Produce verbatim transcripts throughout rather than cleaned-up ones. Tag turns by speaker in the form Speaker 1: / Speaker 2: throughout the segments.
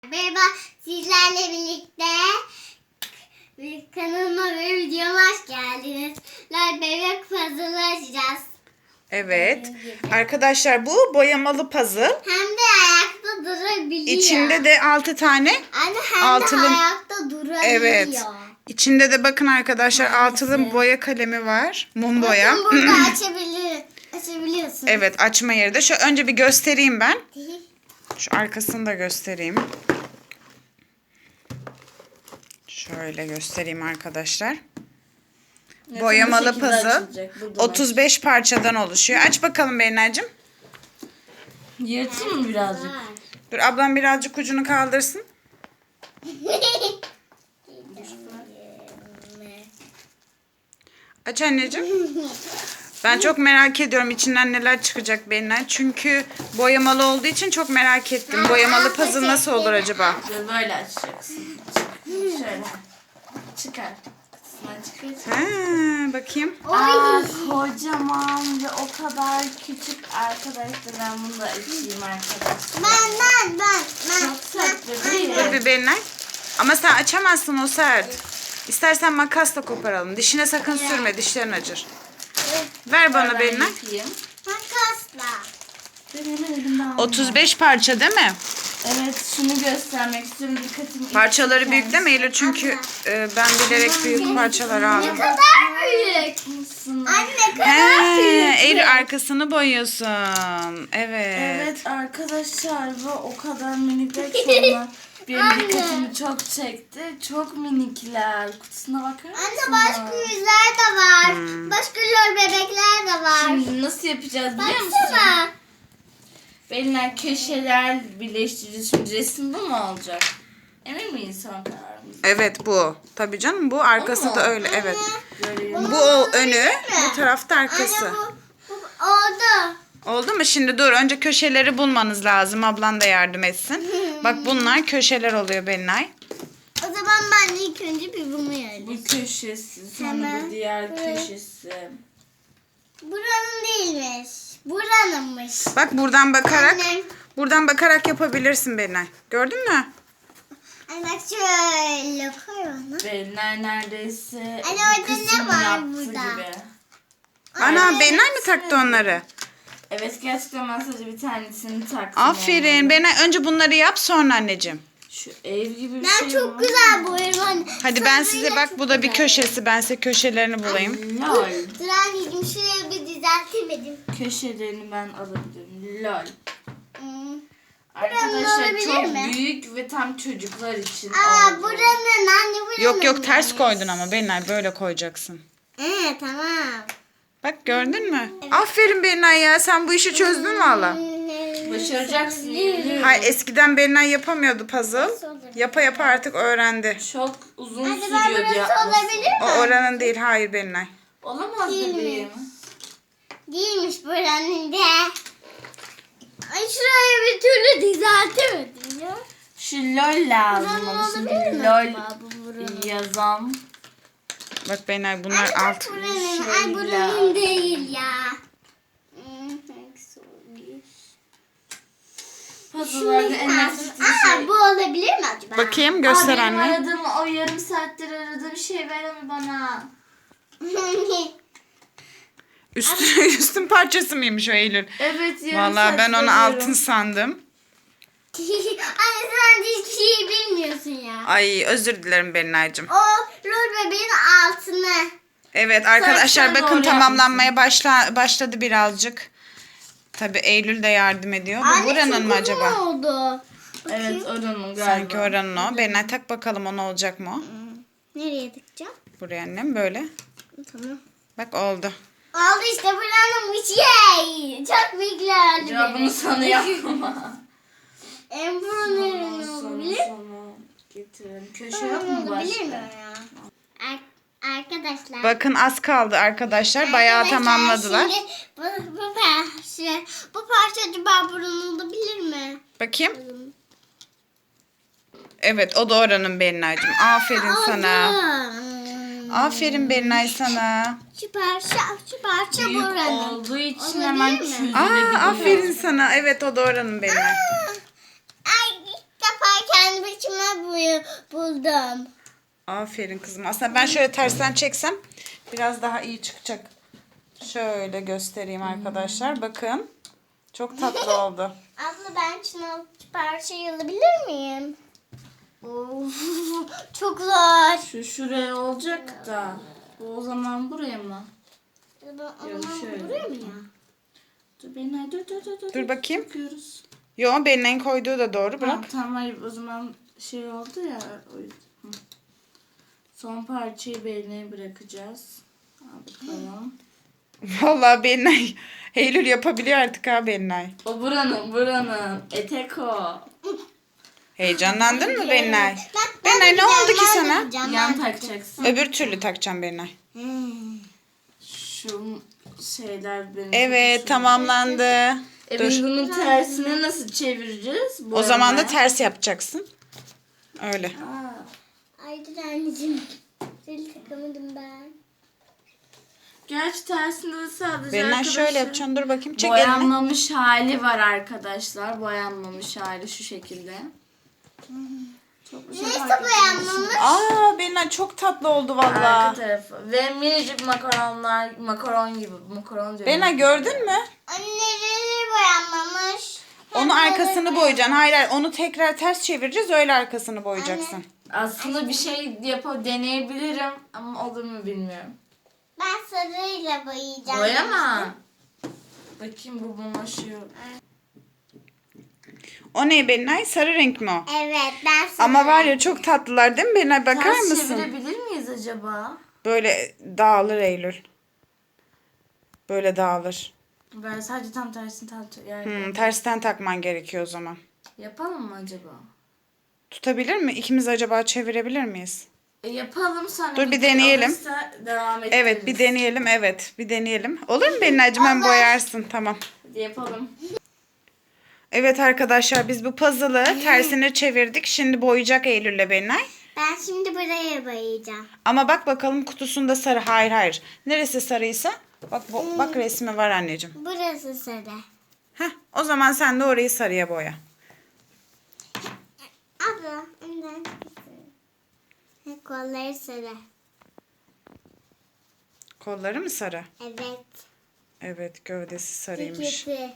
Speaker 1: Merhaba, sizlerle birlikte kanalıma ve videoma hoş geldiniz. Lol bebek puzzle açacağız.
Speaker 2: Evet. Arkadaşlar bu boyamalı puzzle.
Speaker 1: Hem de ayakta durabiliyor.
Speaker 2: İçinde de altı tane
Speaker 1: Anne hem
Speaker 2: altılı...
Speaker 1: de ayakta durabiliyor.
Speaker 2: Evet. İçinde de bakın arkadaşlar
Speaker 1: Maalesef.
Speaker 2: altılı boya kalemi var. Mum boya.
Speaker 1: Bakın burada açabilir, açabiliyorsun.
Speaker 2: Evet, açma yeri de. Şu önce bir göstereyim ben. Şu arkasını da göstereyim. Şöyle göstereyim arkadaşlar.
Speaker 3: Evet,
Speaker 2: Boyamalı
Speaker 3: bu şekilde
Speaker 2: puzzle
Speaker 3: açılacak. Buradan
Speaker 2: otuz beş parçadan oluşuyor. Aç bakalım Berinacığım.
Speaker 3: aç. Yırtayım mı birazcık?
Speaker 2: Dur ablam birazcık ucunu kaldırsın. Aç anneciğim. Ben çok merak ediyorum içinden neler çıkacak Berinay. Çünkü boyamalı olduğu için çok merak ettim. Boyamalı puzzle nasıl olur acaba?
Speaker 3: Böyle, böyle açacaksın. Şöyle. Çıkar. Kısmına çıkar.
Speaker 2: Ha, bakayım.
Speaker 3: Aa, kocaman ve o kadar küçük arkadaşlar. Ben bunu da açayım arkadaşlar.
Speaker 1: Ben ben ben ben.
Speaker 3: Çok tatlı değil
Speaker 2: Dur
Speaker 3: mi?
Speaker 2: bir Berinay. Ama sen açamazsın, o sert. İstersen makasla koparalım. Dişine sakın sürme, dişlerin acır. Ver bana Berinay.
Speaker 3: Yapayım.
Speaker 1: Makasla.
Speaker 3: Ben hemen elimden aldım.
Speaker 2: otuz beş parça değil mi?
Speaker 3: Evet, şunu göstermek istiyorum. Dikkatimi.
Speaker 2: Parçaları büyük değil mi Eylül? Çünkü e, ben bilerek büyük parçalar
Speaker 1: Ne
Speaker 2: aldım.
Speaker 1: kadar büyük.
Speaker 3: Mısın?
Speaker 1: Anne ne kadar
Speaker 2: He,
Speaker 1: büyük.
Speaker 2: Eylül arkasını boyuyorsun. Evet.
Speaker 3: Evet arkadaşlar ve o kadar minikler ki onlar benim
Speaker 1: Anne.
Speaker 3: dikkatimi çok çekti. Çok minikler. Kutusuna bakar mısın?
Speaker 1: Anne başka yüzler de var. Başka lol bebekler de var.
Speaker 3: Şimdi nasıl yapacağız biliyor musun?
Speaker 1: Baksana.
Speaker 3: Belinler köşeler birleştireceğiz. Şimdi resim bu mu olacak? Emin miyiz son kararımız?
Speaker 2: Evet bu. Tabii canım bu. Arkası
Speaker 3: Ama-
Speaker 2: da öyle. Evet.
Speaker 3: Böyle
Speaker 2: Bu o önü, bu tarafta
Speaker 1: Anne
Speaker 2: arkası.
Speaker 1: bu, bu oldu.
Speaker 2: Oldu mu? Şimdi dur. Önce köşeleri bulmanız lazım. Ablan da yardım etsin. Bak bunlar köşeler oluyor Belinay.
Speaker 1: O zaman ben de ilk önce bir bunu yerim.
Speaker 3: bu köşesi, sonra
Speaker 1: Hemen.
Speaker 3: bu diğer
Speaker 1: Evet.
Speaker 3: köşesi.
Speaker 1: Buranın değilmiş. Buranınmış.
Speaker 2: Bak buradan bakarak,
Speaker 1: Annem.
Speaker 2: buradan bakarak yapabilirsin Belinay. Gördün mü?
Speaker 1: Anne bak şöyle koy onu.
Speaker 3: Belinler neredeyse
Speaker 1: Anne,
Speaker 3: bir
Speaker 1: orada ne
Speaker 3: kısmını
Speaker 1: var
Speaker 3: yaptı
Speaker 1: burada?
Speaker 3: gibi.
Speaker 2: Ana Belinay mı taktı onları?
Speaker 3: Evet gerçekten ben sadece bir tanesini taktım.
Speaker 2: Aferin.
Speaker 3: onları.
Speaker 2: Belinay önce bunları yap sonra anneciğim.
Speaker 3: Şu ev gibi bir
Speaker 1: Ben
Speaker 3: şey
Speaker 1: çok
Speaker 3: var.
Speaker 1: güzel boyarım anne.
Speaker 2: Hadi ben
Speaker 1: Sarıyla
Speaker 2: size bak
Speaker 1: çok
Speaker 2: bu da bir
Speaker 1: güzel.
Speaker 2: köşesi. Ben size köşelerini bulayım.
Speaker 3: Lol.
Speaker 1: Dur anneciğim şuraya bir düzeltemedim.
Speaker 3: Köşelerini ben alabilirim. Lol.
Speaker 1: Hmm.
Speaker 3: Arkadaşlar
Speaker 1: olabilir
Speaker 3: çok
Speaker 1: mi?
Speaker 3: büyük ve tam çocuklar için
Speaker 1: Aa
Speaker 3: oldu.
Speaker 1: buranın anne buranın.
Speaker 2: Yok yok ters
Speaker 1: neymiş?
Speaker 2: koydun ama Belinay böyle koyacaksın.
Speaker 1: Ee tamam.
Speaker 2: Bak gördün mü? Aferin Belinay ya, sen bu işi çözdün valla.
Speaker 3: Başaracaksın. yemin
Speaker 2: Hayır,
Speaker 3: ediyorum.
Speaker 2: eskiden Belinay yapamıyordu puzzle. Yapa yapa artık öğrendi.
Speaker 3: Çok uzun
Speaker 1: Hadi ben
Speaker 3: sürüyordu
Speaker 1: burası
Speaker 3: yapması.
Speaker 1: olabilir
Speaker 2: O
Speaker 1: mi?
Speaker 2: oranın değil, hayır Belinay.
Speaker 3: Olamaz
Speaker 1: Değil mi?
Speaker 3: bebeğim.
Speaker 1: Değilmiş buranın de. Ay şurayı bir türlü düzeltemedim ya.
Speaker 3: Şu lol lazım
Speaker 1: Buranın
Speaker 3: ama şimdi
Speaker 1: olabilir mi
Speaker 3: lol
Speaker 1: acaba bu buranın?
Speaker 3: yazam.
Speaker 2: Bak Belinay bunlar
Speaker 1: Anne
Speaker 2: alt.
Speaker 1: bak buranın. Ay
Speaker 3: Şöyle.
Speaker 1: buranın değil ya. Hmm, hangisi olabilir?
Speaker 3: Puzzle'larda en nefret ettiğim
Speaker 1: Aa
Speaker 3: şey.
Speaker 1: bu olabilir mi acaba?
Speaker 2: Bakayım göster
Speaker 3: Aa, benim
Speaker 2: anne.
Speaker 3: aradığım o yarım saattir aradığım şey ver onu bana.
Speaker 2: Üstün, üstün parçası mıymış o Eylül?
Speaker 3: Evet yarım
Speaker 2: Vallahi ben
Speaker 3: saattir
Speaker 2: onu
Speaker 3: arıyorum.
Speaker 2: altın sandım.
Speaker 1: Anne sen de hiçbir şey bilmiyorsun ya.
Speaker 2: Ay özür dilerim Belinay'cığım.
Speaker 1: O lol bebeğin altını.
Speaker 2: Evet arkadaşlar
Speaker 3: Saçlar
Speaker 2: bakın
Speaker 3: doğru
Speaker 2: tamamlanmaya başla, başladı birazcık. Tabii Eylül de yardım ediyor. Bu
Speaker 1: Anne
Speaker 2: buranın
Speaker 1: çok
Speaker 2: mı
Speaker 1: uzun
Speaker 2: acaba?
Speaker 1: oldu.
Speaker 3: Evet oranın galiba.
Speaker 2: Sanki oranın o. Belinay tak bakalım o ne olacak mı o?
Speaker 1: Nereye tıkacağım?
Speaker 2: Buraya annem böyle.
Speaker 1: Tamam.
Speaker 2: Bak oldu.
Speaker 1: Oldu işte buranınmış. Yay! Çok büyüklerdi
Speaker 3: Cevabını
Speaker 1: benim.
Speaker 3: sana yapma.
Speaker 1: En buranın
Speaker 3: Sana
Speaker 1: olabilir.
Speaker 3: sana getirelim. Köşe yok mu
Speaker 1: Olabilir mi
Speaker 3: başka?
Speaker 1: ya? Ar- arkadaşlar.
Speaker 2: Bakın az kaldı arkadaşlar. Bayağı
Speaker 1: Arkadaşlar,
Speaker 2: tamamladılar.
Speaker 1: Şimdi bu, bu parça, bu parça acaba buranın olabilir mi?
Speaker 2: Bakayım. Evet o da oranın Belinay'cığım. Aferin sana.
Speaker 1: Oldu.
Speaker 2: Aferin Belinay sana.
Speaker 1: Şu parça, şu parça
Speaker 3: Büyük
Speaker 1: buranın.
Speaker 3: olduğu için
Speaker 1: Olabilir
Speaker 3: hemen
Speaker 1: mi?
Speaker 3: çözülebiliyor.
Speaker 2: Aa aferin sana. Evet o da oranın Belinay.
Speaker 1: Ay ilk defa kendi saçıma boya buldum.
Speaker 2: Aferin kızım. Aslında ben şöyle tersten çeksem biraz daha iyi çıkacak. Şöyle göstereyim arkadaşlar. Bakın. Çok tatlı oldu.
Speaker 1: Abla ben şunu parçayı alabilir miyim? Of, çok zor.
Speaker 3: Şu şuraya olacak da. Bu o zaman buraya mı?
Speaker 1: O zaman
Speaker 3: şöyle.
Speaker 1: buraya mı ya?
Speaker 3: Dur Belinay dur dur dur. Dur,
Speaker 2: Dur bakayım.
Speaker 3: Takıyoruz.
Speaker 2: Yo, Belinay'ın koyduğu da doğru. Bırak.
Speaker 3: Tamam, tamam hayır o zaman şey oldu ya. O yüzden. Hı. Son parçayı Belinay'a bırakacağız. Al bakalım.
Speaker 2: Vallahi Belinay. Eylül yapabiliyor artık ha Belinay.
Speaker 3: O buranın buranın. Etek o.
Speaker 2: Heyecanlandın mı Belinay?
Speaker 1: Ben-
Speaker 2: Belinay
Speaker 1: ben
Speaker 2: ne oldu ki
Speaker 1: takacağım, ben
Speaker 2: sana?
Speaker 1: takacağım,
Speaker 3: Yan
Speaker 1: ben
Speaker 3: takacaksın.
Speaker 2: Öbür türlü takacağım Belinay.
Speaker 1: Hmm.
Speaker 3: Şu şeyler benim.
Speaker 2: Evet,
Speaker 3: çok hoşuma-
Speaker 2: tamamlandı.
Speaker 3: E
Speaker 2: Dur.
Speaker 3: biz bunun tersini nasıl çevireceğiz?
Speaker 2: O zaman da
Speaker 3: Boyamaya.
Speaker 2: ters yapacaksın. Öyle.
Speaker 3: Aa,
Speaker 1: Ay dur anneciğim. Zil takamadım ben.
Speaker 3: Gerçi tersinde de sadece
Speaker 2: Belinay
Speaker 3: arkadaşlar.
Speaker 2: şöyle yapacaksın. Dur bakayım. Çek elini.
Speaker 3: Boyanmamış hali var arkadaşlar. Boyanmamış hali şu şekilde. Çok bir şey
Speaker 1: Neyse
Speaker 3: fark
Speaker 1: boyanmamış.
Speaker 2: Aa Belinay çok tatlı oldu
Speaker 3: etmiyor. Arka
Speaker 2: valla.
Speaker 3: tarafı. Ve minicik makaronlar, makaron gibi. Makaron diyorum.
Speaker 2: Belinay gördün mü?
Speaker 1: Anneleri boyanmamış.
Speaker 2: Onu arkasını boyayacaksın. Hayır hayır. Onu tekrar ters çevireceğiz. Öyle arkasını boyayacaksın.
Speaker 3: Aslında bir şey yapıp deneyebilirim ama olur mu bilmiyorum.
Speaker 1: Ben sarıyla boyayacağım.
Speaker 3: Boyama. Bakayım bu bulaşıyor.
Speaker 2: O ne Belinay? Sarı renk mi o?
Speaker 1: Evet ben sarı.
Speaker 2: Ama var ya çok tatlılar değil mi Belinay? Bakar
Speaker 3: Ters
Speaker 2: mısın?
Speaker 3: çevirebilir miyiz acaba?
Speaker 2: Böyle dağılır Eylül. Böyle dağılır.
Speaker 3: Ben sadece tam tersini tam yani
Speaker 2: Hmm, tersten takman gerekiyor o zaman.
Speaker 3: yapalım mı acaba?
Speaker 2: Tutabilir mi? İkimiz acaba çevirebilir miyiz?
Speaker 3: E yapalım sonra.
Speaker 2: Dur, bir
Speaker 3: video
Speaker 2: deneyelim.
Speaker 3: alırsa devam ederiz.
Speaker 2: Evet bir deneyelim. Evet bir deneyelim. Olur mu Belinay'cığım? Hem boyarsın. Tamam.
Speaker 3: Hadi yapalım.
Speaker 2: Evet arkadaşlar biz bu puzzle'ı tersine çevirdik. Şimdi boyayacak Eylül'le Belinay.
Speaker 1: Ben şimdi buraya boyayacağım.
Speaker 2: Ama bak bakalım kutusunda sarı. Hayır hayır. Neresi sarıysa? Bak bu, bak resmi var anneciğim.
Speaker 1: Burası sarı.
Speaker 2: Heh, o zaman sen de orayı sarıya boya.
Speaker 1: Abla önden. Kolları sarı.
Speaker 2: Kolları mı sarı?
Speaker 1: Evet.
Speaker 2: Evet gövdesi sarıymış.
Speaker 1: Kirpi.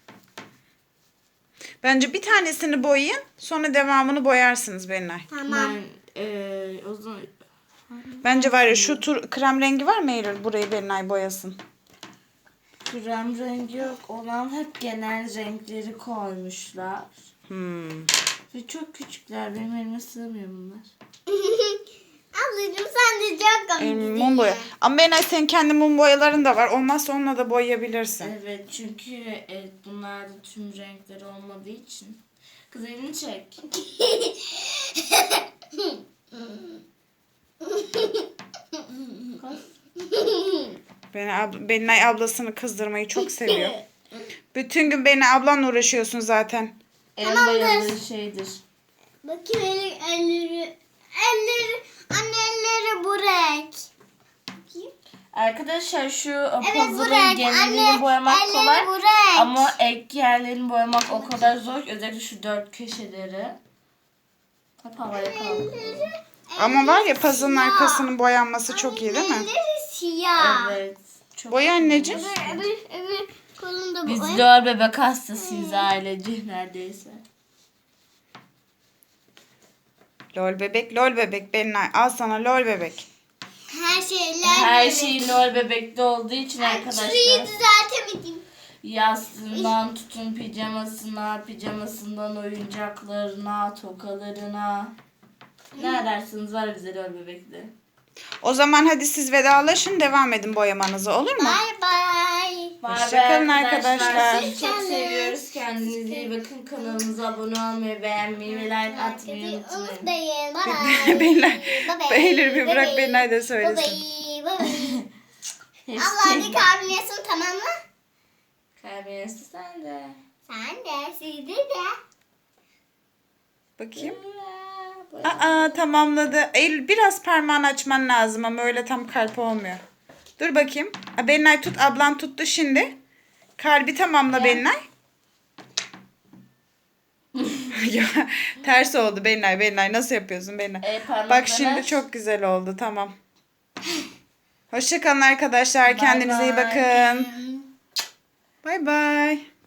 Speaker 2: Bence bir tanesini boyayın. Sonra devamını boyarsınız Belinay.
Speaker 1: Tamam.
Speaker 3: Ben e, o zaman
Speaker 2: Bence var ya şu tur krem rengi var mı Eylül? Burayı Belinay boyasın.
Speaker 3: krem rengi yok olan hep genel renkleri koymuşlar.
Speaker 2: Hmm.
Speaker 3: Ve çok küçükler. Benim elime sığmıyor bunlar.
Speaker 1: Ablacığım sen de çok
Speaker 2: Ee,
Speaker 1: komiksin.
Speaker 2: mum boya. Ama Belinay senin kendi mum boyaların da var. Olmazsa onunla da boyayabilirsin.
Speaker 3: Evet çünkü evet, bunlarda tüm renkleri olmadığı için. Kız elini çek.
Speaker 2: Beni ab- Belinay ablasını kızdırmayı çok seviyor. Bütün gün Belinay ablanla uğraşıyorsun zaten.
Speaker 3: En bayıldığı şeydir.
Speaker 1: Bakayım eli, elleri. Elleri. Anne elleri bu renk. Bakayım.
Speaker 3: Arkadaşlar şu
Speaker 1: Evet bu
Speaker 3: puzzle'ın
Speaker 1: renk.
Speaker 3: genelini
Speaker 1: Anne
Speaker 3: boyamak
Speaker 1: elleri
Speaker 3: kolay.
Speaker 1: bu renk.
Speaker 3: Ama ek yerlerini boyamak o kadar zor ki. Özellikle şu dört köşeleri. Hep havaya kaldırıyor.
Speaker 2: Ama var ya puzzle'ın
Speaker 1: siyah.
Speaker 2: arkasının boyanması çok iyi değil mi?
Speaker 1: Elleri siyah.
Speaker 3: Evet. Çok
Speaker 2: Boya anneciğim.
Speaker 1: Öbür, öbür, öbür kolunda bu.
Speaker 3: Biz
Speaker 1: Ay,
Speaker 3: lol bebek hastasıyız ailece neredeyse.
Speaker 2: Lol bebek, lol bebek Belinay. Al sana lol bebek.
Speaker 1: Her şeyler.
Speaker 3: Her
Speaker 1: böyle.
Speaker 3: şey lol bebekte olduğu için
Speaker 1: Ay,
Speaker 3: arkadaşlar.
Speaker 1: şurayı düzeltemedim.
Speaker 3: Yastığından tutun pijamasına, pijamasından oyuncaklarına, tokalarına. Ne edersiniz var bize lol bebekte.
Speaker 2: O zaman hadi siz vedalaşın devam edin boyamanızı olur mu?
Speaker 1: Bye bye.
Speaker 2: Hoşçakalın arkadaşlar.
Speaker 3: Sizi çok seviyoruz. Kendinize iyi bakın. Kanalımıza abone olmayı, beğenmeyi ve like atmayı unutmayın.
Speaker 1: Unutmayın. Bye bye.
Speaker 2: Belinay,
Speaker 1: Bye bye.
Speaker 2: Eylül bir bırak
Speaker 1: Bye bye.
Speaker 2: Belinay da
Speaker 1: Bye
Speaker 2: söylesin.
Speaker 1: bye. Bye bye.
Speaker 3: Hepsi
Speaker 1: Allah hadi kahveniyorsun tamam mı?
Speaker 3: Kalbinizi sen de.
Speaker 1: Sen de sizi de.
Speaker 2: Bakayım.
Speaker 3: Bye.
Speaker 2: Aa tamamladı. Eylül biraz parmağını açman lazım ama öyle tam kalp olmuyor. Dur bakayım. Ha, Belinay tut. Ablam tuttu şimdi. Kalbi tamamla Belinay. Ya, ters oldu Belinay. Belinay nasıl yapıyorsun Belinay?
Speaker 3: E, parmakları
Speaker 2: Bak şimdi
Speaker 3: aç.
Speaker 2: çok güzel oldu. Tamam. Hoşça kalın arkadaşlar. Kendinize iyi
Speaker 3: bay.
Speaker 2: bakın. Bay bay.